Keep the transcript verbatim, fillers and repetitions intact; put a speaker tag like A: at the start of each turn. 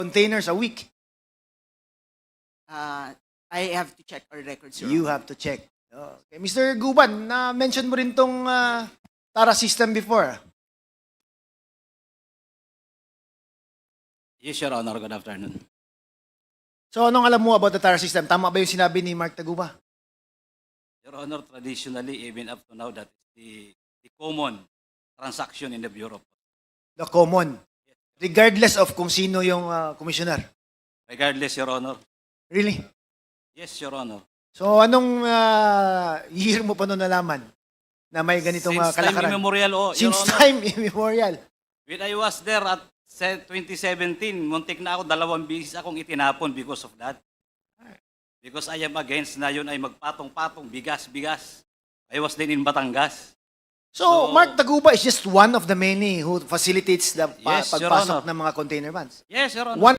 A: containers a week.
B: Uh, I have to check our records, Your
A: You
B: Honor.
A: have to check. Okay. Mister Guban, na-mention mo rin tong ah, Tara system before.
C: Yes, Your Honor. Good afternoon.
A: So anong alam mo about the Tara system? Tama ba yung sinabi ni Mark Taguba?
C: Your Honor, traditionally, even up to now, that is the, the common transaction in the Bureau.
A: The common. Regardless of kung sino yung ah, commissioner.
C: Regardless, Your Honor.
A: Really?
C: Yes, Your Honor.
A: So anong ah, year mo pa noon nalaman na may ganitong ah,
C: Since time
A: kalakaran?
C: immemorial, oh, Your
A: Since
C: Honor.
A: time immemorial.
C: When I was there at se- twenty seventeen, muntik na ako, dalawang bisis akong itinapon because of that. Because I am against na yun ay magpatong-patong, bigas-bigas. I was then in Batangas.
A: So,
C: So-
A: Mark Taguba is just one of the many who facilitates the pa-
C: Yes, Your
A: pagpasok
C: Honor.
A: ng mga container vans.
C: Yes, Your Honor.
A: One